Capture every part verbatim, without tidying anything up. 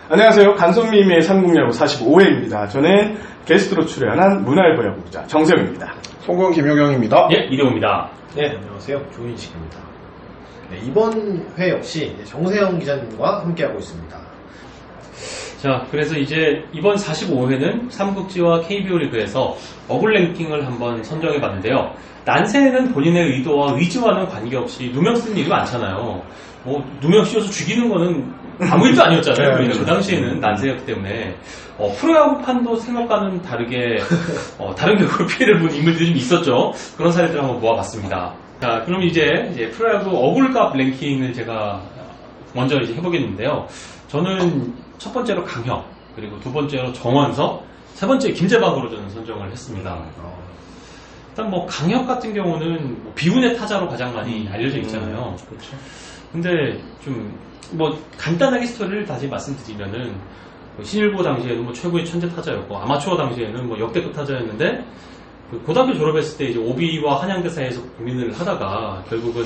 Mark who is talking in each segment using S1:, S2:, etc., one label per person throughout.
S1: 안녕하세요. 간손미미의 삼국야구 사십오 회입니다. 저는 게스트로 출연한 문화일보 야구기자 정세영입니다.
S2: 송건 김효경입니다.
S3: 예, 이대호입니다.
S4: 네, 안녕하세요. 조인식입니다. 네, 이번 회 역시 정세영 기자님과 함께하고 있습니다.
S3: 자, 그래서 이제 이번 사십오 회는 삼국지와 케이비오 리그에서 어글 랭킹을 한번 선정해 봤는데요. 난세는 본인의 의도와 의지와는 관계없이 누명 쓰는 일이 많잖아요. 뭐 누명 씌워서 죽이는 거는 아무 일도 아니었잖아요.
S2: 네,
S3: 그 당시에는 난세였기 때문에 어, 프로야구판도 생각과는 다르게 어, 다른 격으로 피해를 본 인물들이 좀 있었죠. 그런 사례들을 한번 모아봤습니다. 자, 그럼 이제, 이제 프로야구 어글값 랭킹을 제가 먼저 이제 해보겠는데요. 저는 첫 번째로 강혁, 그리고 두 번째로 정원석, 세 번째 김재박으로 저는 선정을 했습니다. 일단 뭐 강혁 같은 경우는 뭐 비운의 타자로 가장 많이 알려져 있잖아요.
S2: 음, 그렇죠.
S3: 근데 좀 뭐 간단하게 스토리를 다시 말씀드리면은 뭐 신일고 당시에는 뭐 최고의 천재 타자였고 아마추어 당시에는 뭐 역대급 타자였는데 그 고등학교 졸업했을 때 이제 오비와 한양대 사이에서 고민을 하다가 결국은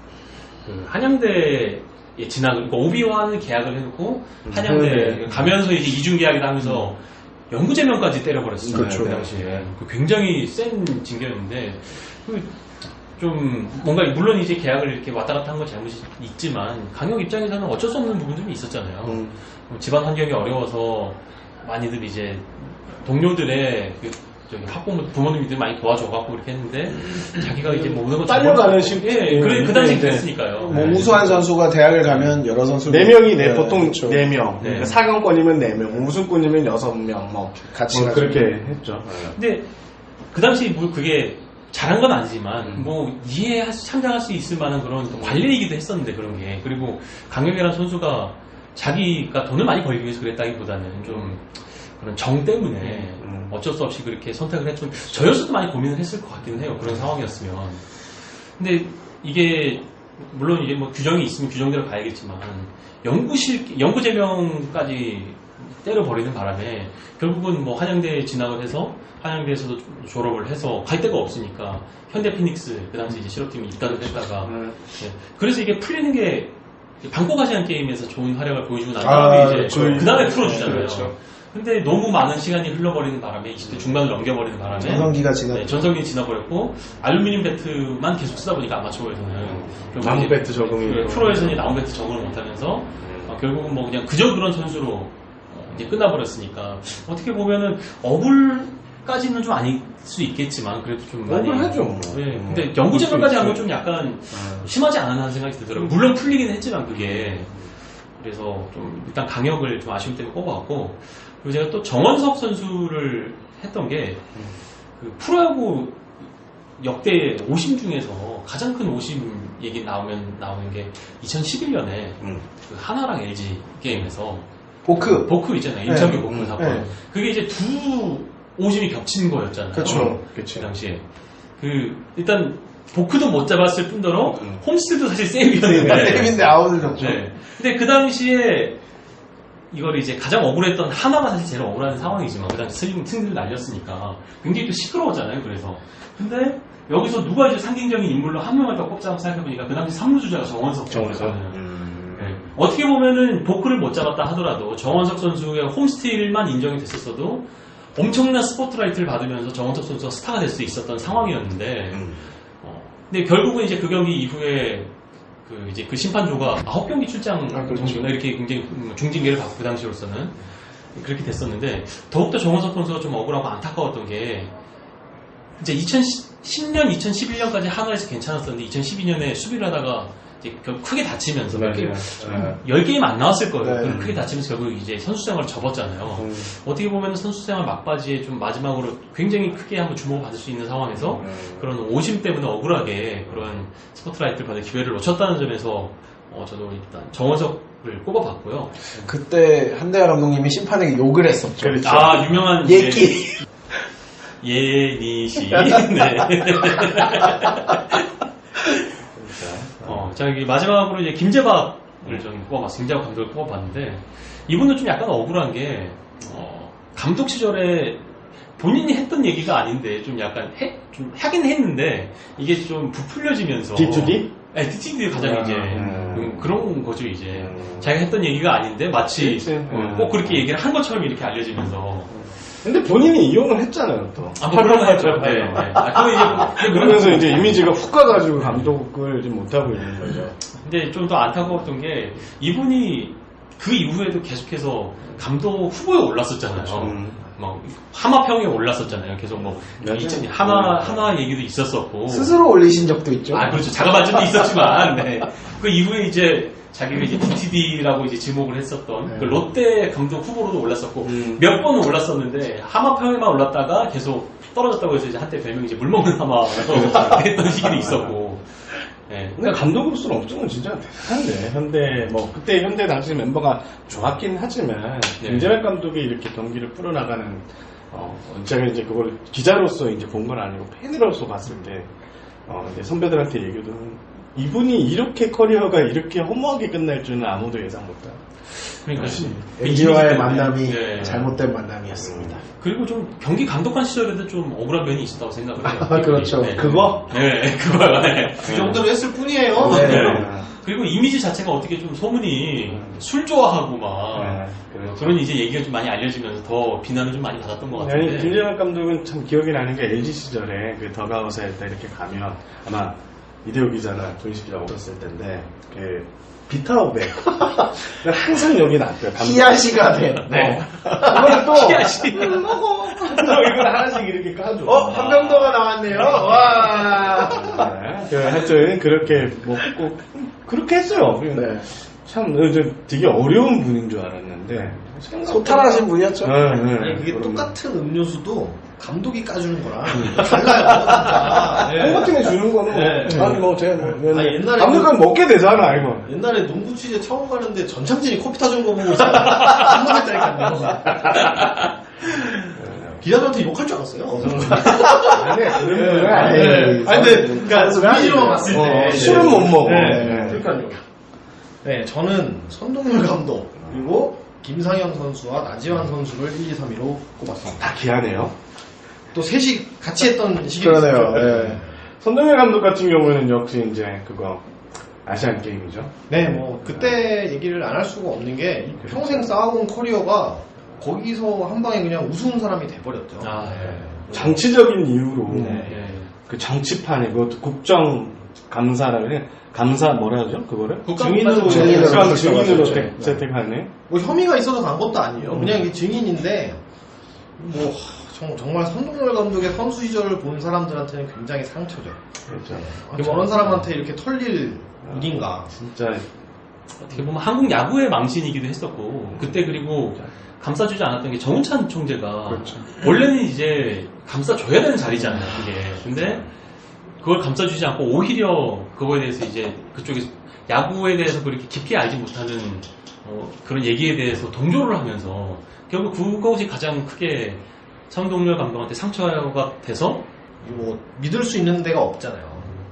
S3: 그 한양대에 진학을 그러니까 오비와는 계약을 해놓고 한양대
S2: 네.
S3: 가면서 이제 이중 계약을 하면서 연구제명까지 때려버렸어요.
S2: 그렇죠.
S3: 그 당시에 그 굉장히 센 징계였는데 그 좀 뭔가 물론 이제 계약을 이렇게 왔다 갔다 한 건 잘못이 있지만 강혁 입장에서는 어쩔 수 없는 부분들이 있었잖아요.
S2: 음.
S3: 뭐 집안 환경이 어려워서 많이들 이제 동료들의 그 저기 학부모 부모님들이 많이 도와줘갖고 이렇게 했는데 자기가 이제 뭐 모든 걸
S1: 딸려가는
S3: 식
S1: 식-
S3: 예, 그래 그 당시
S1: 네.
S3: 그랬으니까요.
S2: 뭐
S3: 네.
S2: 우수한 선수가 대학을 가면 여러 선수
S1: 네 명이 네, 보통
S2: 그렇죠.
S1: 네 명.
S3: 네.
S1: 그러니까 사 강권이면 네 명, 우승권이면 여섯 명, 뭐.
S2: 같이
S1: 뭐
S2: 가지고.
S1: 그렇게 했죠.
S3: 근데 그 당시 뭐 그게 잘한 건 아니지만
S1: 음.
S3: 뭐 이해할 수, 참작할 수 있을 만한 그런 또 관례이기도 했었는데 그런 게 그리고 강혁이라는 선수가 자기가 돈을 많이 벌기 위해서 그랬다기보다는 좀 그런 정 때문에
S1: 음.
S3: 어쩔 수 없이 그렇게 선택을 했좀 저였어도 많이 고민을 했을 것 같기는 해요. 그런 상황이었으면. 근데 이게 물론 이게 뭐 규정이 있으면 규정대로 가야겠지만 연구실 연구제명까지 때려버리는 바람에 결국은 뭐 한양대에 진학을 해서 한양대에서도 졸업을 해서 갈 데가 없으니까 현대 피닉스 그 당시 이제 실업팀이 입단을 했다가
S1: 음.
S3: 예. 그래서 이게 풀리는 게 방콕 아시안 게임에서 좋은 활약을 보여주고 난
S2: 아,
S3: 다음에 이제
S2: 그렇죠.
S3: 그 다음에 풀어주잖아요.
S2: 그렇죠.
S3: 근데 너무 많은 시간이 흘러버리는 바람에 이십 대 중반을 넘겨버리는 바람에
S2: 전성기가 지나.
S3: 네, 전성기 지나버렸고 알루미늄 배트만 계속 쓰다 보니까 아마추어에서는 결국
S1: 나무
S3: 이제
S1: 배트 적응이.
S3: 그 프로에서는 나무 배트 적응을 못하면서 어, 결국은 뭐 그냥 그저 그런 선수로 어, 이제 끝나버렸으니까 어떻게 보면은 어불까지는 좀 아닐 수 있겠지만 그래도 좀 많이
S1: 억울하죠, 뭐.
S3: 네,
S1: 음.
S3: 근데 연구제명까지 한 건
S1: 그렇죠.
S3: 좀 약간
S1: 음.
S3: 심하지 않은 하는 생각이 들더라고요. 물론 풀리긴 했지만 그게 그래서 좀 일단 강력을 좀 아쉬움 때문에 꼽아왔고 그리고 제가 또 정원석 선수를 했던 게 그 프로야구 역대 오심 중에서 가장 큰 오심 얘기 나오면 나오는 게 이천십일 년에
S1: 음.
S3: 그 하나랑 엘지 게임에서
S2: 보크.
S3: 보크 있잖아요. 임창규
S2: 네.
S3: 보크
S1: 음,
S3: 사건.
S2: 네.
S3: 그게 이제 두 오심이 겹친 거였잖아요.
S2: 그렇죠.
S3: 그
S1: 그치.
S3: 당시에. 그 일단 보크도 못 잡았을 뿐더러
S1: 음.
S3: 홈스도 사실 세이브였는데.
S2: 세임인데 아웃을 줬죠.
S3: 네. 근데 그 당시에 이걸 이제 가장 억울했던 하나가 사실 제일 억울한 상황이지만 그 당시 승, 승리를 날렸으니까 굉장히 또 시끄러웠잖아요. 그래서 근데 여기서 누가 이제 상징적인 인물로 한 명을 더 꼽자고 생각해보니까 그 당시 삼루 주자가 정원석
S1: 정원석.
S3: 선수였거든요.
S1: 음.
S3: 네. 어떻게 보면은 보크를 못 잡았다 하더라도 정원석 선수의 홈스틸만 인정이 됐었어도 엄청난 스포트라이트를 받으면서 정원석 선수가 스타가 될 수 있었던 상황이었는데
S1: 음.
S3: 어, 근데 결국은 이제 그 경기 이후에 그 이제 그 심판조가 아홉 경기 출장
S1: 아, 그렇죠.
S3: 정도나 이렇게 굉장히 중징계를 받고 그 당시로서는 그렇게 됐었는데 더욱더 정원석 선수가 좀 억울하고 안타까웠던 게 이제 이천십 년, 이천십일 년까지 한화에서 괜찮았었는데 이천십이 년에 수비를 하다가 이제 결국 크게 다치면서
S1: 맞아요.
S3: 이렇게
S1: 네.
S3: 열 게임 안 나왔을 거예요.
S2: 네.
S3: 그리고 크게 다치면서 결국 이제 선수 생활을 접었잖아요.
S1: 음.
S3: 어떻게 보면 선수 생활 막바지에 좀 마지막으로 굉장히 크게 한번 주목을 받을 수 있는 상황에서
S1: 음.
S3: 그런 오심 때문에 억울하게 그런 스포트라이트를 받을 기회를 놓쳤다는 점에서 어, 저도 일단 정원석을 꼽아봤고요.
S2: 그때 한대하 감독님이 심판에게 욕을 했었죠.
S1: 그렇죠.
S3: 아 유명한
S2: 예끼.
S3: 이제 예니시. 네. 어, 자 여기 마지막으로 이제 김재박을 좀 꼽아봤어요. 김재박 감독을 꼽아봤는데 이분은 좀 약간 억울한 게 어, 감독 시절에 본인이 했던 얘기가 아닌데 좀 약간 해, 좀 하긴 했는데 이게 좀 부풀려지면서
S1: 딥투딥?
S3: 네, 티칭들이 가장
S1: 아,
S3: 이제
S1: 음.
S3: 음, 그런 거죠 이제
S1: 음.
S3: 자기가 했던 얘기가 아닌데 마치
S1: 그치.
S3: 어,
S1: 음.
S3: 꼭 그렇게 얘기를 한 것처럼 이렇게 알려지면서
S1: 근데 본인이 이용을 했잖아요, 또.
S3: 아, 뭐 그런 거 했죠. 네, 네. 아, 그거 이제 뭐- 근데
S1: 그러면서 이제 이미지가 훅 가가지고 감독을 지금 못하고 있는 거죠.
S3: 근데 좀 더 안타까웠던 게 이분이 그 이후에도 계속해서 감독 후보에 올랐었잖아요.
S1: 음.
S3: 막 하마평에 올랐었잖아요. 계속 뭐
S1: 맞아요.
S3: 이천 하나
S1: 음.
S3: 하나 얘기도 있었었고.
S2: 스스로 올리신 적도 있죠.
S3: 아 그렇죠. 자가발전도 있었지만 네. 그 이후에 이제 자기가 이제 디티디라고 이제 지목을 했었던
S2: 네.
S3: 그 롯데 감독 후보로도 올랐었고
S1: 음.
S3: 몇 번은 올랐었는데 하마평에만 올랐다가 계속 떨어졌다고 해서 이제 한때 별명이 이제 물먹는 하마라고 했던 시기도 있었고. 네.
S1: 근데 감독으로서는 엄청은 진짜 대단한데 현대 뭐 그때 현대 당시 멤버가 좋았긴 하지만
S3: 네.
S1: 김재백 감독이 이렇게 경기를 풀어나가는 어 제가 이제 그걸 기자로서 이제 본 건 아니고 팬으로서 봤을 때 어 이제 선배들한테 얘기도 이분이 이렇게 커리어가 이렇게 허무하게 끝날 줄은 아무도 예상 못했다.
S3: 그러니까
S2: 엘지와의
S3: 때문에.
S2: 만남이
S3: 네.
S2: 잘못된 만남이었습니다.
S3: 그리고 좀 경기 감독한 시절에도 좀 억울한 면이 있었다고 생각을 해요.
S2: 아, 그렇죠.
S3: 네.
S1: 그거?
S3: 네, 그거요. 네.
S4: 그 정도로 했을 뿐이에요.
S2: 네.
S3: 네. 그리고 이미지 자체가 어떻게 좀 소문이
S1: 음.
S3: 술 좋아하고 막
S1: 네, 그렇죠.
S3: 그런 이제 얘기가 좀 많이 알려지면서 더 비난을 좀 많이 받았던 것 같은데.
S1: 아니 김재백 감독은 참 기억이 나는 게 엘지 시절에 그 더가웃에 이렇게 가면 아마 이대호 기자나 조인식 기자가 없었을 텐데 그 비타오백 항상 여기 놨대요.
S2: 히야시가 된.
S1: 네. 이거는 또
S3: 히야시.
S1: 먹어. 이걸 하나씩 이렇게 까줘.
S2: 어, 한병도가 나왔네요. 와.
S1: 네. 그 하여튼 그렇게 먹고 그렇게 했어요.
S2: 네.
S1: 참 어, 저 되게 어려운 분인 줄 알았는데
S2: 소탈하신 분이었죠.
S1: 네, 네.
S4: 아니 그게
S1: 그런
S4: 똑같은 음료수도 감독이 까주는 거랑 달라요. 진짜. 네.
S1: 콩 같은 게 주는 거는
S4: 네.
S1: 아니 뭐 제가 뭐
S4: 아니, 옛날에
S1: 감독은 먹게 되잖아 이거.
S4: 옛날에 농구 취재 처음 가는데 전창진이 커피 타준 거 보고 한번했다니까요. 기자들한테 욕할 줄 알았어요.
S1: 아니 그런
S4: 네.
S1: 분은
S4: 아니,
S1: 아니에요.
S4: 아니, 근데, 그니까, 이미지로만 봤을 때.
S1: 어, 술은 못 먹어.
S4: 네,
S1: 네.
S4: 그러니까요. 네, 저는 선동열 감독, 그리고 김상현 선수와 나지완 선수를 일, 이, 삼 위로 꼽았습니다.
S1: 다 기하네요.
S4: 또 셋이 같이 했던 시기가
S2: 그러네요.
S4: 있었죠.
S2: 네.
S1: 손동열 감독 같은 경우에는 역시 이제 그거 아시안 게임이죠.
S4: 네, 뭐, 그때 얘기를 안 할 수가 없는 게, 이 평생 쌓아온 커리어가 거기서 한 방에 그냥 우스운 사람이 돼버렸죠.
S3: 아, 네.
S1: 정치적인 이유로
S4: 네.
S3: 네.
S1: 그 정치판에 그것도 국정 감사라고 해. 감사 뭐라 하죠? 그거를?
S3: 국감
S4: 증인으로,
S2: 증인으로
S1: 국감
S2: 채택하죠.
S1: 증인으로
S2: 네.
S1: 태- 채택하네.
S4: 뭐 혐의가 있어서 간 것도 아니에요.
S1: 음.
S4: 그냥 이게 증인인데, 뭐, 정, 정말 선동열 감독의 선수 시절을 본 사람들한테는 굉장히 상처죠.
S1: 그렇죠.
S4: 아, 저런 사람한테 이렇게 털릴 일인가.
S1: 진짜
S3: 어떻게 보면 한국 야구의 망신이기도 했었고 그때 그리고 감싸주지 않았던 게 정우찬 총재가
S1: 그렇죠.
S3: 원래는 이제 감싸줘야 되는 자리잖아요 그게. 근데 그걸 감싸주지 않고 오히려 그거에 대해서 이제 그쪽에서 야구에 대해서 그렇게 깊이 알지 못하는 어, 그런 얘기에 대해서 동조를 하면서 결국 그것이 가장 크게 선동열 감독한테 상처가 돼서
S4: 뭐, 믿을 수 있는 데가 없잖아요.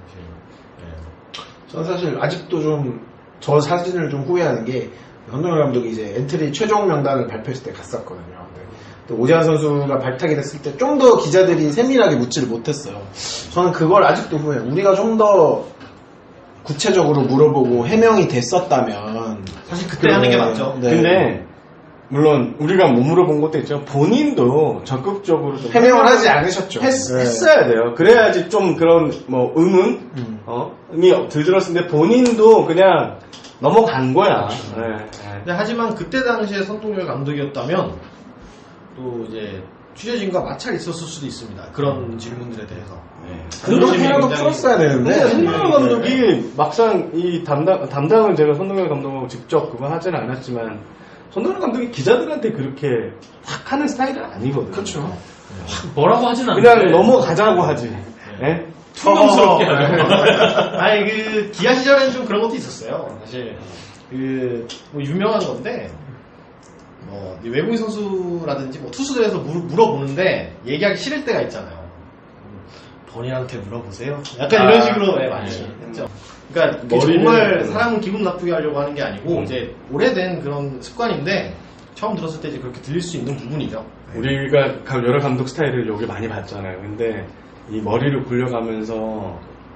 S2: 저는 사실 아직도 좀 저 사진을 좀 후회하는 게 선동열 감독이 이제 엔트리 최종 명단을 발표했을 때 갔었거든요. 근데 또 오재환 선수가 발탁이 됐을 때 좀 더 기자들이 세밀하게 묻지를 못했어요. 저는 그걸 아직도 후회해요. 우리가 좀 더 구체적으로 물어보고 해명이 됐었다면
S4: 사실 그때 하는 게 맞죠.
S2: 네.
S1: 근데 물론 우리가 못 물어본 것도 있죠. 본인도 적극적으로 좀
S2: 해명을 하지 않으셨죠.
S1: 했,
S2: 네.
S1: 했어야 돼요. 그래야지 좀 그런 뭐 의문
S2: 음.
S1: 어? 이 들들었는데 본인도 그냥 넘어간 거야. 네, 네.
S4: 근데 하지만 그때 당시에 선동열 감독이었다면 또 이제 취재진과 마찰이 있었을 수도 있습니다. 그런 질문들에 대해서.
S2: 그렇게라도
S4: 굉장히-
S2: 풀었어야 되는데
S1: 근데 손동열 감독이 막상 이 담당 담당은 제가 손동열 감독하고 직접 그거 하지는 않았지만 손동열 감독이 기자들한테 그렇게 확 하는 스타일은 아니거든요.
S2: 그렇죠.
S3: 뭐라고 하진 않는데
S1: 그냥 넘어가자고 하지. 예?
S3: 투명스럽게
S4: 어,
S3: 하죠.
S4: 아니 그 기아 시절에는 좀 그런 것도 있었어요. 사실 그 뭐 유명한 건데 뭐 외국인 선수라든지 뭐 투수들에서 물, 물어보는데 얘기하기 싫을 때가 있잖아요. 본인한테 물어보세요. 약간
S3: 아,
S4: 이런 식으로 네, 많이
S3: 네.
S4: 했죠. 그러니까 그게
S1: 머리를-
S4: 정말 사람을 기분 나쁘게 하려고 하는 게 아니고
S1: 음.
S4: 이제 오래된 그런 습관인데 처음 들었을 때 이제 그렇게 들릴 수 있는 부분이죠.
S1: 우리가 가- 여러 감독 스타일을 여기 많이 봤잖아요. 근데 이 머리를 굴려가면서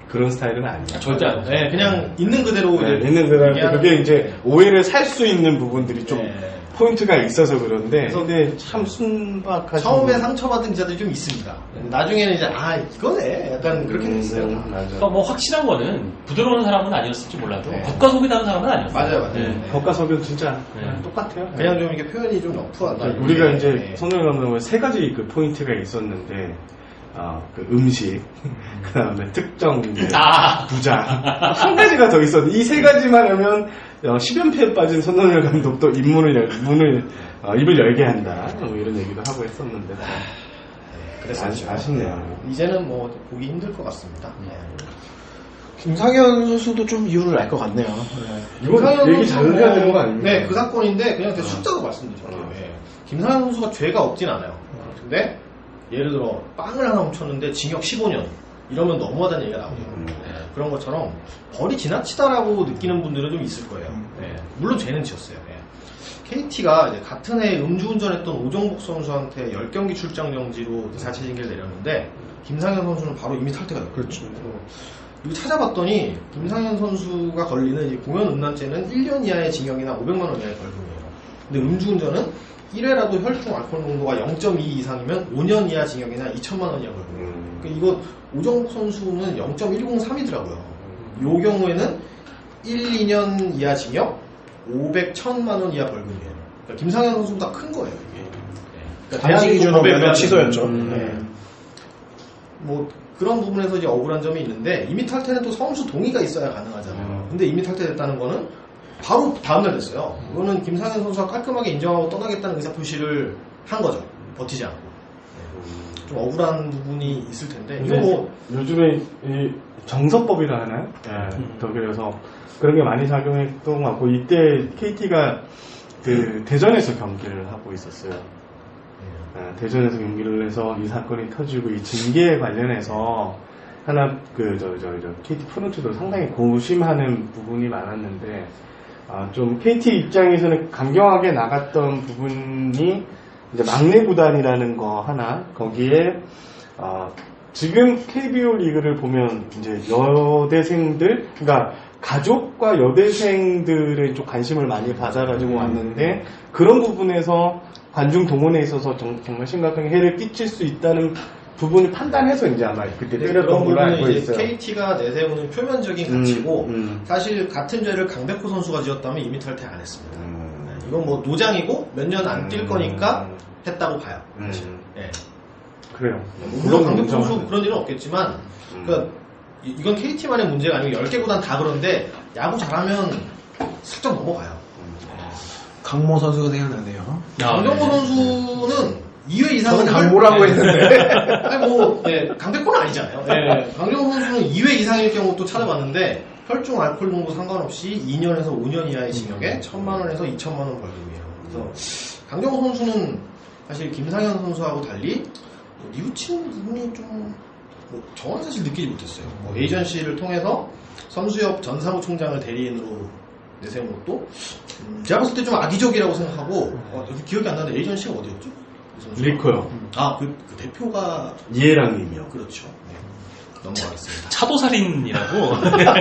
S1: 그런 스타일은 아니에요.
S3: 절대 안 돼.
S4: 네, 그냥 있는 그대로
S1: 네,
S4: 이제
S1: 있는 그대로
S4: 얘기하는
S1: 그게 이제 오해를 살 수 있는 부분들이 좀
S4: 네.
S1: 포인트가 있어서 그런데
S4: 그래서
S1: 근데 참 순박하신
S4: 처음에
S1: 분.
S4: 상처받은 기자들이 좀 있습니다. 나중에는 이제 아 이거네 약간 그렇게 됐어요.
S1: 음, 맞아.
S3: 그러니까 뭐 확실한 거는 부드러운 사람은 아니었을지 몰라도
S4: 네.
S3: 겉과 속이 다른 사람은 아니었어요.
S4: 맞아요, 맞아요.
S3: 네.
S4: 네.
S1: 겉과 속은 진짜
S3: 네.
S1: 똑같아요.
S4: 그냥 좀 이렇게 표현이 좀 러프하다.
S1: 우리가 이제
S4: 네.
S1: 손흥민 감독은 세 가지 그 포인트가 있었는데 어, 그 음식, 그다음에 특정 이제
S3: 아.
S1: 부자 한 가지가 더 있었는데 이 세 가지만 하면 어, 십연패에 빠진 손흥민 감독도 입문을 열, 문을 어, 입을 열게 한다 뭐 이런 얘기도 하고 했었는데
S4: 그래서
S1: 아쉽, 아쉽네요.
S4: 이제는 뭐 보기 힘들 것 같습니다. 네.
S2: 김상현 선수도 좀 이유를 알 것 같네요. 네.
S1: 이거
S4: 김상현
S1: 얘기
S4: 선수
S1: 잘 해야
S4: 뭐-
S1: 되는 거 아닙니까?
S4: 네, 그 사건인데 그냥 대충 숫자로 말씀드릴게요.
S1: 어.
S4: 예. 김상현 선수가 죄가 없진 않아요. 근데 예를 들어 빵을 하나 훔쳤는데 징역 십오 년 이러면 너무하다는 얘기가 나오죠.
S1: 음.
S4: 예, 그런 것처럼 벌이 지나치다라고 느끼는 분들은 좀 있을 거예요. 예, 물론 죄는 지었어요. 케이티가 이제 같은 해에 음주운전했던 오정복 선수한테 십 경기 출장 정지로 자체 징계를 내렸는데 김상현 선수는 바로 이미 탈퇴가 됐거든요.
S2: 그렇죠.
S4: 이거 찾아봤더니 김상현 선수가 걸리는 이 공연 음란죄는 일 년 이하의 징역이나 오백만 원 이하의 벌금이에요. 근데 음주운전은 일 회라도 혈중 알코올 농도가 영 점 이 이상이면 오 년 이하 징역이나 이천만 원 이하 벌금이에요.
S1: 음.
S4: 그러니까 이거 오정복 선수는 영 점 일공삼이더라고요. 요 경우에는 일, 이 년 이하 징역, 오백, 천만 원 이하 벌금이에요. 그러니까 김상현 선수보다 큰 거예요, 이게. 그러니까
S2: 당시 기준으로
S4: 법에 의한
S2: 취소였죠.
S1: 음.
S4: 네. 뭐 그런 부분에서 이제 억울한 점이 있는데 이미 탈퇴는 또 성수 동의가 있어야 가능하잖아요.
S1: 음.
S4: 근데 이미 탈퇴됐다는 거는 바로 다음날 됐어요. 이거는 김상현 선수가 깔끔하게 인정하고 떠나겠다는 의사 표시를 한 거죠. 버티지 않고. 네. 좀 억울한 부분이 있을 텐데 이거 뭐
S1: 요즘에 이 정서법이라 하나요? 예,
S3: 음.
S1: 독일에서 그런 게 많이 작용했던 것 같고 이때 케이티가 그 대전에서 경기를 하고 있었어요. 예, 대전에서 경기를 해서 이 사건이 터지고 이 징계에 관련해서 하나 그 저 저 저 케이티 프런트도 상당히 고심하는 부분이 많았는데 아, 좀 케이티 입장에서는 강경하게 나갔던 부분이 이제 막내 구단이라는 거 하나 거기에 어, 지금 케이비오 리그를 보면 이제 여대생들 그러니까 가족과 여대생들의 좀 관심을 많이 받아가지고 왔는데 그런 부분에서 관중 동원에 있어서 정, 정말 심각한 해를 끼칠 수 있다는 부분을 판단해서 이제 아마 그때
S4: 네,
S1: 때렸던
S4: 그런
S1: 걸로 알고
S4: 부분은 이제
S1: 있어요.
S4: 케이티가 내세우는 표면적인
S1: 음,
S4: 가치고
S1: 음.
S4: 사실 같은 죄를 강백호 선수가 지었다면 이미 탈퇴 안 했습니다.
S1: 음.
S4: 네, 이건 뭐 노장이고 몇 년 안 뛸
S1: 음.
S4: 거니까 했다고 봐요.
S1: 음.
S4: 네.
S1: 그래요.
S4: 물론 강백호
S1: 인정하죠.
S4: 선수 그런 일은 없겠지만
S1: 음.
S4: 그러니까 이- 이건 케이티만의 문제가 아니고 열 개 구단 다 그런데 야구 잘하면 슬쩍 넘어가요.
S2: 강모 선수가 생각나네요.
S3: 아,
S4: 강정호
S3: 네.
S4: 선수는 이 회 이상은
S2: 저는 강모라고
S4: 할-
S2: 했는데.
S4: 아니 뭐 네, 강백호는 아니잖아요. 네, 강정호 선수는 이 회 이상일 경우 또 찾아봤는데 혈중 알코올 농도 상관없이 이 년에서 오 년 이하의 징역에 천만 원에서 이천만 원 벌금이에요. 그래서 강정호 선수는 사실 김상현 선수하고 달리 뭐 뉘우치는 부분이 좀 뭐 저는 사실 느끼지 못했어요. 뭐 에이전시를 통해서 선수협 전 사무총장을 대리인으로 내세운 것도 음, 제가 봤을 때 좀 악의적이라고 생각하고 어, 여기 기억이 안 나는데 에이전시가 어디였죠? 이 선수가?
S1: 리커요.
S4: 아, 그, 그 대표가
S1: 이해랑님이요.
S4: 그렇죠. 네. 넘어가겠습니다.
S3: 차도살인이라고.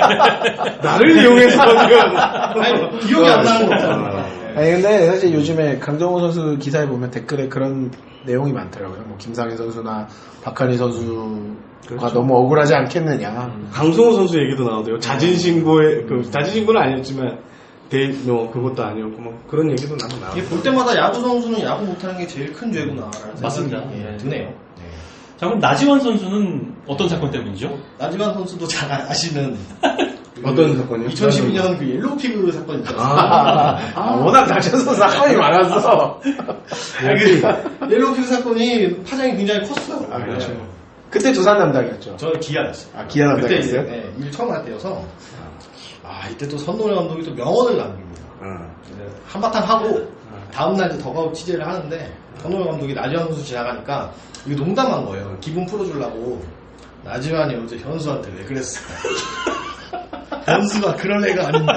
S1: 나를 이용해서 지금
S4: 아니, 기억이 안 나는 거잖아요.
S2: 아니 근데 사실 요즘에 강정호 선수 기사에 보면 댓글에 그런 내용이 많더라고요. 뭐 김상현 선수나 박한희 선수가
S1: 그렇죠.
S2: 너무 억울하지 않겠느냐.
S1: 강승호 선수 얘기도 나오대요. 자진 신고에 그 자진 신고는 아니었지만 대, 뭐 그것도 아니었고 뭐 그런 얘기도 나도 나오고.
S4: 이게 볼 때마다 야구 선수는 야구 못하는 게 제일 큰 죄구나라는
S3: 맞습니다.
S4: 생각이 예,
S3: 네.
S4: 드네요.
S3: 자, 그럼 나지원 선수는 어떤 사건 때문이죠?
S4: 나지만 선수도 잘 아시는 그
S1: 어떤 사건이요?
S4: 이천십이 년 그 옐로우 피그 사건 있잖아요.
S1: 아,
S2: 아, 워낙 다쳐서 사건이 많았어.
S4: 아니, 그 옐로우 피그 사건이 파장이 굉장히 컸어요.
S2: 아, 그렇죠.
S4: 네.
S2: 그때 두산 담당이었죠.
S4: 저는 기아였어요.
S2: 아, 기아
S4: 그때 이제
S2: 담당이었어요?
S4: 네, 일 처음 할 때여서 아 이때 또 선노래 감독이 또 명언을 남깁니다.
S1: 어.
S4: 이제 한바탕 하고 다음날 이제 더가웃 취재를 하는데 선노래 감독이 나지완 선수 지나가니까 이거 농담한 거예요. 기분 풀어주려고 나지완이 어제 현수한테 왜 그랬어? 현수가 그런 애가 아닌데.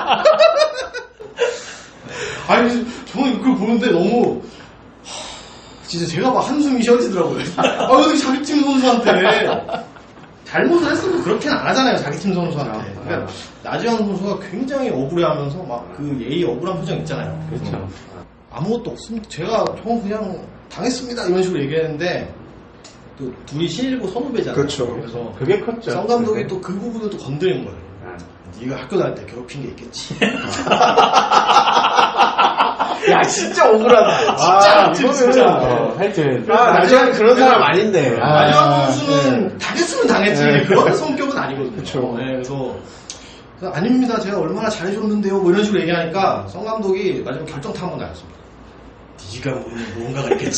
S4: 아니 저는 그걸 보는데 너무 하, 진짜 제가 막 한숨이 쉬어지더라고요. 아 어떻게 자기 팀 선수한테 잘못을 했어도 그렇게는 안 하잖아요, 자기 팀 선수한테. 그러니까 나지완 선수가 굉장히 억울해하면서 막 그 예의 억울한 표정 있잖아요.
S1: 그렇죠.
S4: 아무것도 없습니다. 제가 형 그냥 당했습니다 이런 식으로 얘기했는데 또 둘이 신일고 선후배잖아요.
S2: 그렇죠.
S4: 그래서
S1: 그게 컸죠.
S4: 성 감독이 또 그 부분을 또 건드린 거예요. 네가 학교 다닐 때 괴롭힌 게 있겠지.
S2: 야, 진짜 억울하다.
S1: 아,
S2: 진짜,
S1: 이거는
S2: 진짜.
S1: 어, 하여튼
S2: 아, 나중에 그런 사람 아닌데. 아,
S4: 나지완 선수는
S2: 네.
S4: 당했으면 당했지
S2: 네.
S4: 그런 성격은 아니거든요.
S2: 그쵸.
S4: 네, 그래서, 그래서 아닙니다. 제가 얼마나 잘해줬는데요. 뭐 이런 식으로 얘기하니까 성 감독이 마지막 결정타 한번 나였습니다. 네가 모르는 무언가가 있겠지.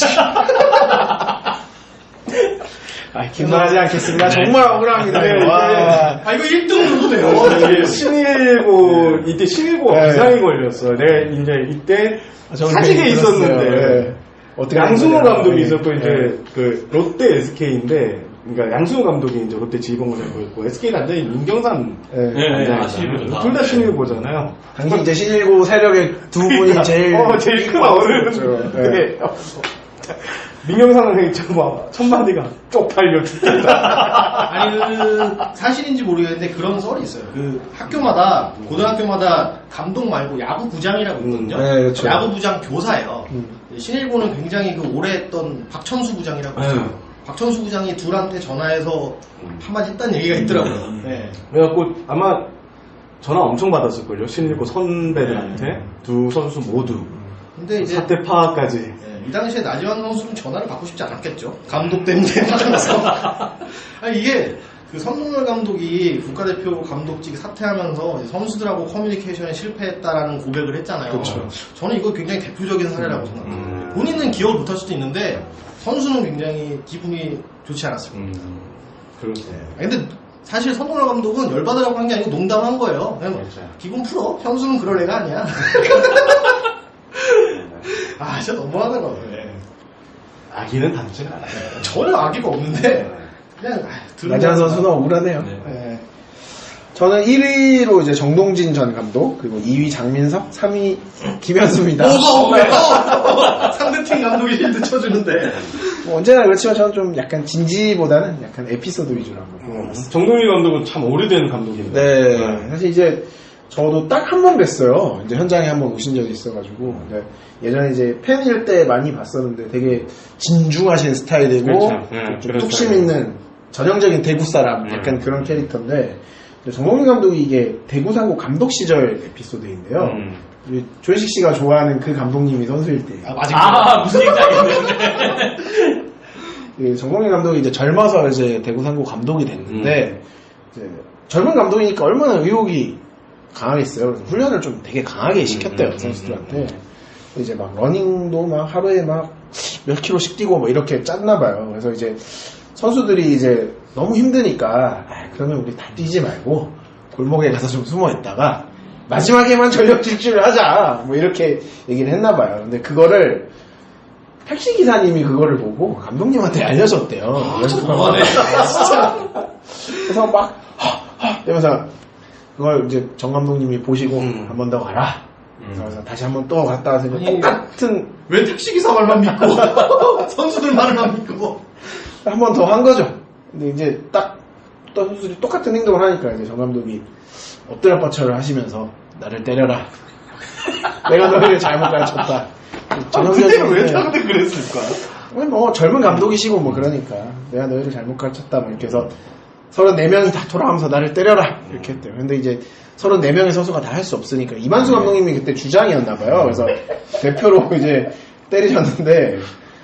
S2: 아, 기만하지 않겠습니다. 정말 억울합니다.
S1: 네,
S2: 와.
S4: 아 이거 일 등 누구네요.
S1: 신일고 이때 신일고가
S2: 네.
S1: 부상이 걸렸어. 내가 이제 이때
S2: 저는
S1: 사직에
S2: 되게
S1: 있었는데
S2: 들었어요. 네. 어떻게
S1: 양승호
S2: 된 거냐.
S1: 감독이
S2: 네.
S1: 있었고 이제
S2: 네.
S1: 그 롯데 에스케이인데 그러니까 양승호 감독이 이제 롯데 지휘봉을 잡고 있고 에스케이 단장이 민경삼
S2: 네.
S3: 네, 아, 신일고죠.
S1: 둘 다 신일고잖아요.
S2: 당시 이제 신일고 세력의 두 분이 제일
S1: 어, 제일 큰 어른.
S2: 그렇죠. 네.
S1: 네. 민경삼 선생님 정말 첫 마디가 쪽팔려 죽겠다.
S4: 아니 그 사실인지 모르겠는데 그런 썰이 있어요. 그 학교마다 고등학교마다 감독 말고 야구 부장이라고 있거든요.
S2: 음, 네, 그렇죠.
S4: 야구 부장 교사예요.
S2: 음.
S4: 신일고는 굉장히 그 오래 했던 박천수 부장이라고 있어요.
S1: 네.
S4: 박천수 부장이 둘한테 전화해서 한마디 했다는 얘기가 있더라고요. 네.
S1: 그래갖고 아마 전화 엄청 받았을걸요. 신일고 선배들한테 두 선수 모두
S4: 근데 이제
S1: 사태 파악까지.
S4: 네, 이 당시에 나지완 선수는 전화를 받고 싶지 않았겠죠. 감독 때문에 받아서. 아니 이게 그 선동열 감독이 국가대표 감독직 사퇴하면서 이제 선수들하고 커뮤니케이션에 실패했다라는 고백을 했잖아요.
S2: 그렇죠.
S4: 저는 이거 굉장히 대표적인 사례라고 생각해요.
S1: 음.
S4: 본인은 기억을 못할 수도 있는데 선수는 굉장히 기분이 좋지 않았습니다.
S1: 음, 그렇죠.
S4: 네. 근데 사실 선동열 감독은 열받으라고 한 게 아니고 농담한 거예요. 그냥
S1: 그렇죠.
S4: 기분 풀어. 현수는 그럴 애가 아니야. 아 진짜 너무하더라고요. 네.
S1: 아기는 닮지는 않아요.
S4: 전혀 악의가 없는데 그냥 아, 들은
S2: 나지완
S4: 거야.
S2: 선수는 억울하네요.
S3: 네.
S2: 네. 저는 일 위로 이제 정동진 전 감독, 그리고 이 위 장민석, 삼 위 김현수입니다.
S4: 뭐가 없네요. 상대팀 감독이 힌트 쳐주는데.
S2: 뭐 언제나 그렇지만 저는 좀 약간 진지보다는 약간 에피소드 위주로 한번 뽑아봤습니다.
S1: 정동일 감독은 참 오래된 감독인데.
S2: 네, 사실 이제 저도 딱 한 번 뵀어요. 이제 현장에 한 번 오신 적이 있어가지고. 네, 예전에 이제 팬일 때 많이 봤었는데 되게 진중하신 스타일이고
S1: 그렇죠. 네,
S2: 좀
S1: 그런
S2: 뚝심
S1: 스타일.
S2: 있는 전형적인 대구 사람 약간
S1: 음.
S2: 그런 캐릭터인데 정동민 감독이 이게 대구 상고 감독 시절 에피소드인데요.
S1: 음.
S2: 우리 조혜식 씨가 좋아하는 그 감독님이 선수일 때
S4: 아, 맞아.
S3: 아, 무슨 얘기인지 알겠네.
S2: 그 정동민 감독이 이제 젊어서 이제 대구 상고 감독이 됐는데 이제 젊은 감독이니까 얼마나 의욕이 강하겠어요. 그래서 훈련을 좀 되게 강하게 시켰대요
S1: 음,
S2: 선수들한테.
S1: 음,
S2: 이제 막 러닝도 막 하루에 막 몇 킬로씩 뛰고 뭐 이렇게 짰나 봐요. 그래서 이제 선수들이 이제 너무 힘드니까 아, 그러면 우리 다 뛰지 말고 골목에 가서 좀 숨어 있다가 마지막에만 전력 질주를 하자 뭐 이렇게 얘기를 했나 봐요. 근데 그거를 택시 기사님이 그거를 보고 감독님한테 알려줬대요. 그래서
S3: 너무하네.
S2: 그래서 막 하, 하, 이러면서 그걸 이제 정 감독님이 보시고
S1: 음.
S2: 한 번 더 가라.
S3: 음.
S2: 그래서 다시 한 번 또 갔다 와서 이제
S4: 아니,
S2: 똑같은
S4: 왜 택시기사 말만 믿고 선수들 말만 믿고
S2: 한 번 더 한 거죠. 근데 이제 딱 또 선수들이 똑같은 행동을 하니까 이제 정 감독이 엎드려 뻗쳐를 하시면서 나를 때려라. 내가 너희를 잘못 가르쳤다.
S1: 그때는 왜 다들 그랬을까?
S2: 뭐 젊은 감독이시고 뭐 그러니까 내가 너희를 잘못 가르쳤다 뭐 이렇게 해서 서른네 명이 다 돌아가면서 나를 때려라 이렇게 했대요. 근데 이제 서른네 명의 선수가 다 할 수 없으니까 이만수 감독님이 그때 주장이었나 봐요. 그래서 대표로 이제 때리셨는데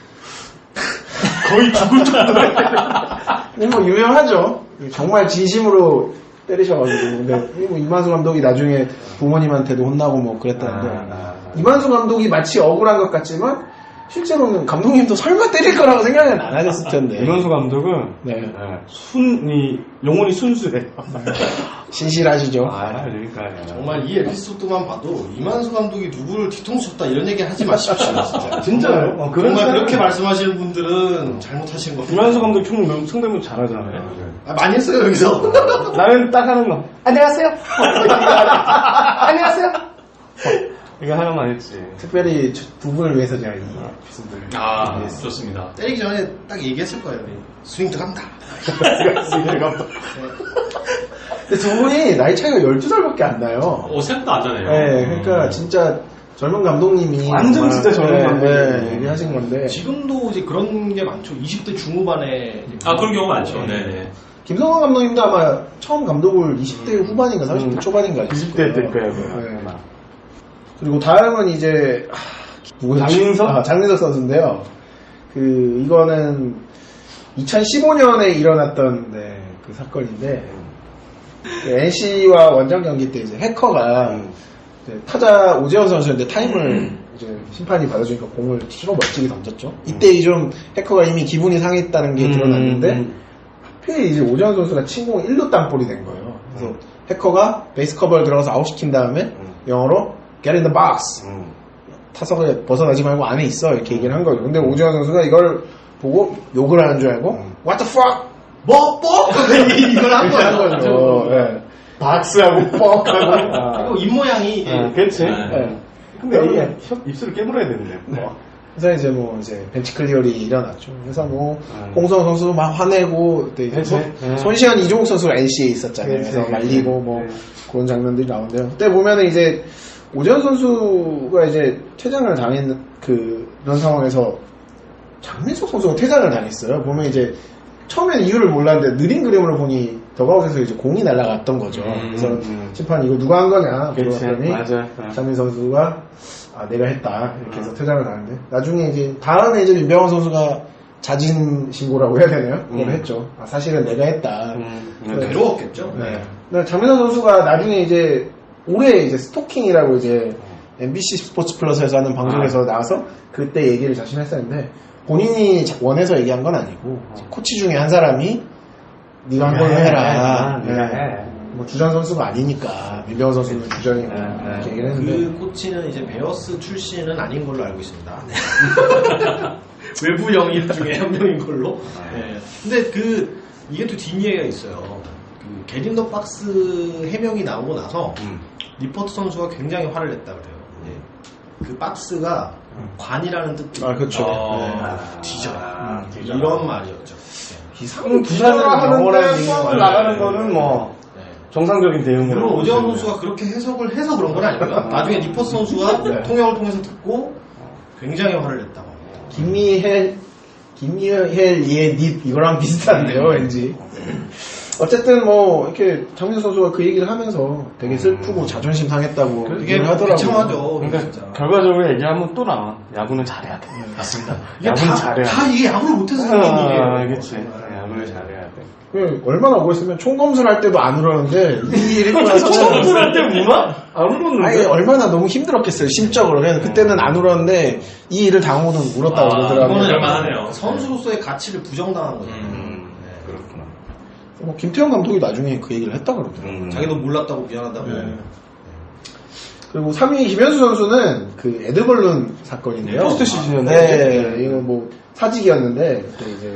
S1: 거의 죽을 정도로.
S2: 뭐 유명하죠. 정말 진심으로 때리셔가지고. 근데 뭐 이만수 감독이 나중에 부모님한테도 혼나고 뭐 그랬다는데
S1: 아, 아, 아.
S2: 이만수 감독이 마치 억울한 것 같지만 실제로는 감독님도 설마 때릴 거라고 생각은 안 하셨을 텐데.
S1: 이만수 감독은
S2: 네.
S1: 네, 순이 영혼이 순수해.
S2: 신실하시죠.
S1: 아, 그러니까
S4: 정말 이 에피소드만 봐도 이만수 감독이 누구를 뒤통수 쳤다 이런 얘기 하지 마십시오. 진짜.
S1: 진짜요? 어, 그런
S4: 정말
S1: 사람-
S4: 그렇게 말씀하시는 분들은 잘못하신 겁니다.
S1: 이만수 감독 총 성대모사 잘하잖아요.
S4: 아, 많이 했어요 여기서.
S1: 나는 딱 하는 거. 안녕하세요. 안녕하세요. 이거 하나만 했지.
S2: 특별히 두 분을 위해서 제가 이 에피소드를
S3: 아,
S2: 준비했습니다.
S3: 좋습니다.
S4: 때리기 전에 딱 얘기했을 거예요. 스윙 들어간다.
S2: 근데 두 분이 나이 차이가 열두 살밖에 안 나요.
S3: 어, 생각도 안 나네요.
S2: 네, 그러니까 진짜 젊은 감독님이
S1: 완전
S2: 정말,
S1: 진짜 젊은
S2: 네,
S1: 감독님이.
S2: 네, 얘기하신 건데
S4: 지금도 이제 그런 게 많죠. 이십 대 중후반에. 이제
S3: 아, 그런 경우 많죠. 네네.
S2: 김성환 감독님도 아마 처음 감독을 이십 대 후반인가 삼십 대
S1: 음,
S2: 초반인가
S1: 이십 대 될 거예요.
S2: 네. 그리고 다음은 이제 하, 누구였지?
S1: 장민석?
S2: 아, 장민석 선수인데요. 그 이거는 이천십오 년에 일어났던 네, 그 사건인데 그 엔씨와 원정 경기 때 이제 해커가 이제 타자 오재원 선수인데 타임을 이제 심판이 받아주니까 공을 치고 멋지게 던졌죠. 이때 좀 해커가 이미 기분이 상했다는 게 드러났는데
S1: 음.
S2: 하필 이제 오재원 선수가 친 공이 일 루 땅볼이 된 거예요. 그래서 해커가 베이스 커버를 들어가서 아웃시킨 다음에 영어로 Get in the box.
S1: 음.
S2: 타석에 벗어나지 말고 안에 있어 이렇게 얘기를 한 거죠. 근데 오재원 선수가 이걸 보고 욕을 하는 줄 알고 What the fuck?
S4: 뭐, 뭐? 이걸 한
S2: 이렇게 한
S4: 거예요.
S2: 거죠. 네.
S1: 박스하고 뻑하고.
S4: 그리고 입모양이
S1: 아, 그렇지.
S3: 네.
S2: 네.
S1: 근데 이게 혀- 입술을 깨물어야 되는데. 뭐.
S2: 그래서 이제 뭐 이제 벤치 클리어리 일어났죠. 그래서 뭐
S1: 음.
S2: 홍성호 선수 막 화내고 그때 이제
S1: 그치.
S2: 손-
S1: 음.
S2: 손시현 이종욱 선수가 엔씨에 있었잖아요.
S1: 그치,
S2: 그래서
S1: 그치.
S2: 말리고 뭐
S1: 네.
S2: 그런 장면들이 나오는데요. 그때 보면은 이제 오재원 선수가 이제 퇴장을 당했는 그 그런 상황에서 장민석 선수가 퇴장을 당했어요. 보면 이제 처음에는 이유를 몰랐는데 느린 그림으로 보니 더가웃에서 이제 공이 날아갔던 거죠.
S3: 음,
S2: 그래서
S1: 음.
S2: 심판 이거 누가 한 거냐
S1: 그치.
S2: 물어봤더니
S1: 맞아. 어.
S2: 장민 선수가 아 내가 했다 이렇게 해서 퇴장을 하는데 나중에 이제 다음에 이제 윤병헌 선수가 자진 신고라고 해야 되나요? 그걸
S1: 음.
S2: 했죠. 아, 사실은 내가 했다.
S1: 음.
S2: 네.
S4: 괴로웠겠죠.
S2: 네. 근데 장민선 선수가 나중에 이제 올해 이제 스토킹이라고 이제 엠비씨 스포츠 플러스에서 하는 방송에서
S1: 아.
S2: 나와서 그때 얘기를 자신 했었는데 본인이 자- 원해서 얘기한 건 아니고 이제 코치 중에 한 사람이 네가 한 걸로
S1: 해,
S2: 해라.
S1: 해, 네가 해.
S2: 뭐 주전 선수가 아니니까 민병헌 선수는 주전이니까
S1: 네, 네.
S2: 이렇게 얘기를 했는데
S4: 그 코치는 이제 베어스 출신은 아닌 걸로 알고 있습니다. 외부 영입 중에 한 명인 걸로. 네. 근데 그 이게 또 뒷이해가 있어요. 그 게린더 박스 해명이 나오고 나서
S1: 음.
S4: 리포트 선수가 굉장히 화를 냈다 그래요. 네. 그 박스가 관이라는 뜻도
S2: 아 그렇죠.
S3: 어.
S2: 네.
S1: 아,
S4: 뒤져라.
S1: 아, 뒤져라.
S4: 이런 말이었죠.
S2: 이상한
S1: 부산을
S2: 영어라는
S1: 수업을
S2: 얘기가
S1: 나가는 거는 뭐
S4: 네.
S1: 정상적인 대응이라고.
S4: 물론 오재원
S1: 보시면
S4: 선수가 그렇게 해석을 해서 그런 건 아니고요. 나중에 리포트 선수가
S2: 네.
S4: 통역을 통해서 듣고 굉장히 화를 냈다고.
S2: 김미헬 김미헬 예닙 이거랑 비슷한데요 왠지 어쨌든 뭐 이렇게 장민 선수가 그 얘기를 하면서 되게 슬프고 자존심 상했다고
S4: 이게
S2: 얘기를 하더라고요.
S4: 비참하죠.
S1: 그러니까
S4: 진짜.
S1: 결과적으로 얘기하면 또 나와. 야구는 잘해야 돼.
S3: 맞습니다.
S4: 이게
S1: 야구는
S4: 다,
S1: 잘해야
S4: 다
S1: 돼.
S4: 이게 야구를 못해서 생긴
S1: 아,
S4: 일이에요.
S1: 그치. 야구를 잘해야 돼.
S2: 그 얼마나 억울했으면 총검술 할 때도 안 울었는데 이 일이 있고 나서
S1: 처음 할때 우나? 안 울었는데.
S2: 아니 얼마나 너무 힘들었겠어요 심적으로. 그래서 그때는 안 울었는데 이 일을 당하고는 울었다고
S3: 아,
S2: 그러더라고요.
S3: 이거는 얼마나네요.
S4: 선수로서의 가치를 부정당한 거죠.
S1: 음, 그렇구나.
S2: 뭐 김태형 감독이 나중에 그 얘기를 했다 그러더라고요.
S1: 음.
S4: 자기도 몰랐다고 미안하다고.
S2: 네. 그리고 삼 위 김현수 선수는 그 에드벌룬 사건인데요.
S1: 포스트 시즌이었는데.
S2: 네, 이거 뭐 사직이었는데 그때 이제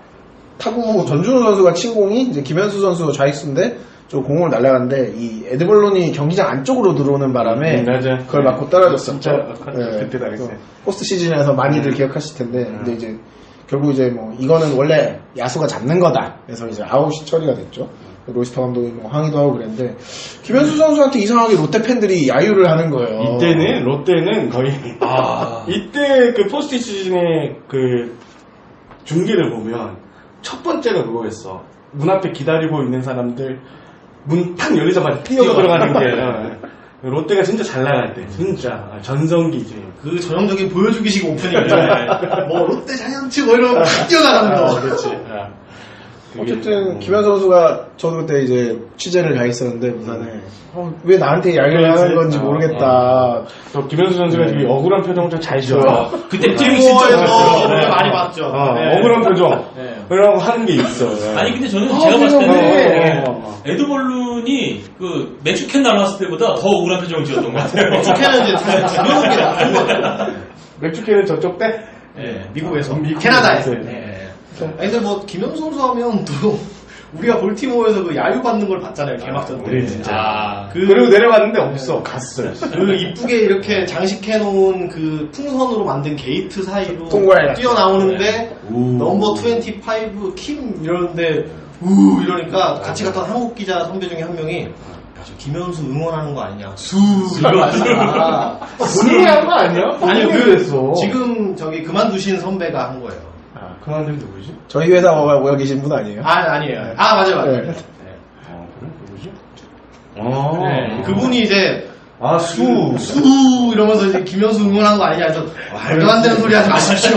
S2: 타구 전준호 선수가 친 공이 이제 김현수 선수 좌익수인데 저 공을 날아갔는데 이 에드벌룬이 경기장 안쪽으로 들어오는 바람에
S1: 음, 맞아.
S2: 그걸 맞고 떨어졌었죠.
S1: 진짜 아, 그때 당했어요.
S2: 그래서 포스트 시즌에서 많이들
S1: 음.
S2: 기억하실 텐데
S1: 음.
S2: 근데 이제 결국 이제 뭐 이거는 원래 야수가 잡는 거다. 그래서 이제 아웃이 처리가 됐죠. 로이스터 감독이 뭐 항의도 하고 그랬는데 김현수 선수한테 이상하게 롯데 팬들이 야유를 하는 거예요.
S1: 이때는 롯데는 거의
S3: 아.
S1: 이때 그 포스트 시즌의 그 중계를 보면 첫 번째가 그거였어. 문 앞에 기다리고 있는 사람들 문 탁 열리자마자 뛰어 들어가는 게 어. 롯데가 진짜 잘 나갈 때 진짜 전성기지.
S4: 그 전형적인 보여주기식 오프닝인데 뭐 롯데 자이언츠 뭐 이런 거 뛰어나가는 거.
S1: 아, 그렇지. 아. 그게,
S2: 어쨌든
S1: 음.
S2: 김현수 선수가 저도 그때 이제 취재를 가 있었는데 부산에 어, 왜 나한테 야유를
S1: 그렇지.
S2: 하는 건지
S1: 어,
S2: 모르겠다.
S1: 또 김현수 선수가 되게 억울한 표정을 좀 잘 지어요.
S3: 그때
S4: 팀
S3: 팀이
S4: 진짜
S3: 진짜
S4: 어,
S3: 좋았어요.
S4: 많이 봤죠.
S1: 어,
S4: 네.
S1: 억울한 표정.
S4: 네.
S1: 그러고 하는 게 있어. 네.
S3: 아니 근데 저는
S1: 어,
S3: 제가 봤을
S1: 그래요.
S3: 때는
S1: 어, 어, 어.
S3: 에드벌룬이 그 맥주캔 날라왔을 때보다 더 억울한 표정을 지었던 것 같아요.
S4: 축해는 이제 사실 죽여놓은 게 나쁜 거죠.
S1: 맥주캔은 저쪽 때?
S4: 네, 미국에서.
S1: 미국에서.
S4: 캐나다에서.
S1: 네.
S4: 네. 아니, 근데 뭐, 김현수 선수 하면 또, 우리가 볼티모어에서 그 야유 받는 걸 봤잖아요, 개막전 때.
S1: 우리 진짜.
S3: 아,
S1: 그, 그리고 내려갔는데 없어. 갔어요.
S4: 그 이쁘게 이렇게 장식해놓은 그 풍선으로 만든 게이트 사이로
S2: 통과해.
S4: 뛰어나오는데
S1: 오.
S4: 넘버 이십오 킴 이러는데 우 이러니까 같이 갔던 한국 기자 선배 중에 한 명이 야, 저 김현수 응원하는 거 아니냐 수 이러면서
S1: 본인이 한 거 아니야?
S4: 아니요
S1: 본인이
S4: 그
S1: 그랬어.
S4: 지금 저기 그만두신 선배가 한 거예요.
S1: 아, 그만둔 누구지?
S2: 저희 회사 모여 계신 분 아니에요?
S4: 아 아니에요. 아 맞아요 맞아요.
S2: 네.
S4: 네.
S1: 어, 그래? 누구지? 어.
S4: 네, 그분이 이제
S1: 아, 수.
S4: 수 이러면서 이제 김현수 응원한 거 아니냐 해서 말도 안 되는 소리 하지 마십시오.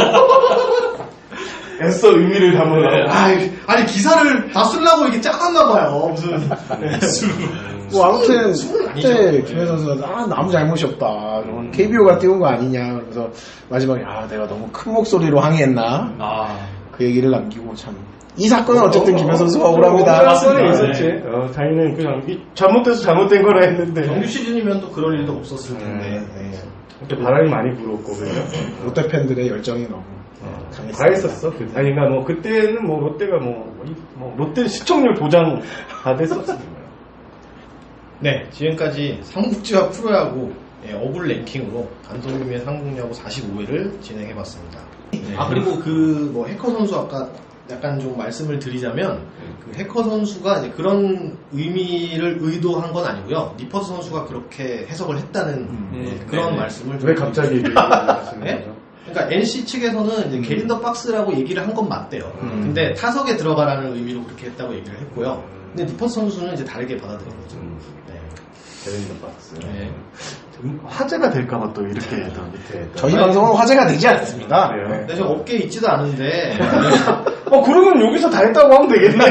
S1: 애써 의미를 담으려고.
S4: 아이, 아니 기사를 다 쓰려고 이렇게 짜놨나 봐요. 무슨
S2: 뭐 아무튼
S4: 수는 아니죠.
S2: 그때 김현 선수가 아 너무 잘못이 없다. 케이비오가 띄운 거 아니냐. 그래서 마지막에 아 내가 너무 큰 목소리로 항의했나.
S3: 아,
S2: 그 얘기를 남기고 참. 이 사건은 어쨌든 김현 선수가 억울합니다.
S1: 맞습니다.
S3: 맞습니다.
S1: 있었지. 어, 자기는 그냥 이- 잘못돼서 잘못된 거라 했는데.
S4: 정규 시즌이면 또 그럴 일도 없었을 텐데. 네.
S1: 그때 바람이 많이 불었고, 그죠?
S2: 롯데 팬들의 열정이 너무 강했습니다.
S1: 다 했었어. 그, 아니, 그러니까 뭐, 그때는 뭐, 롯데가 뭐, 뭐, 이- 뭐 롯데 시청률 보장 다 됐었어.
S4: 네, 지금까지 삼국지와 프로야구 예, 어글 랭킹으로 감독님의 상국야구 사십오 회를 진행해봤습니다. 아 그리고 그 뭐 해커 선수 아까 약간 좀 말씀을 드리자면 그 해커 선수가 이제 그런 의미를 의도한 건 아니고요. 니퍼스 선수가 그렇게 해석을 했다는
S3: 음,
S4: 예, 그런
S3: 네.
S4: 말씀을 좀
S1: 왜 갑자기 이렇게 하시는
S4: 네?
S1: 거죠?
S4: 그러니까 엔씨 측에서는 이제 게린더 박스라고 얘기를 한 건 맞대요.
S1: 음.
S4: 근데 타석에 들어가라는 의미로 그렇게 했다고 얘기를 했고요. 근데 니퍼스 선수는 이제 다르게 받아들인 거죠.
S1: 음.
S4: 네.
S1: 게린더 박스.
S4: 네.
S1: 좀 화제가 될까봐 또 이렇게 더 밑에. 또.
S2: 저희 방송은 화제가 되지 않습니다.
S1: 그래요?
S2: 네.
S4: 근데 저 업계에 있지도 않은데
S1: 어, 그러면 여기서 다 했다고 하면 되겠네.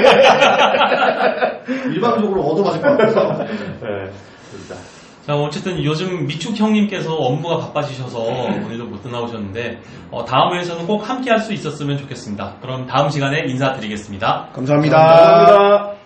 S4: 일방적으로 얻어맞을 것 같아서.
S1: 네. 진짜.
S3: 자, 어쨌든 요즘 미축 형님께서 업무가 바빠지셔서 오늘도 못 나오셨는데, 어, 다음 회에서는 꼭 함께 할 수 있었으면 좋겠습니다. 그럼 다음 시간에 인사드리겠습니다.
S2: 감사합니다.
S1: 감사합니다.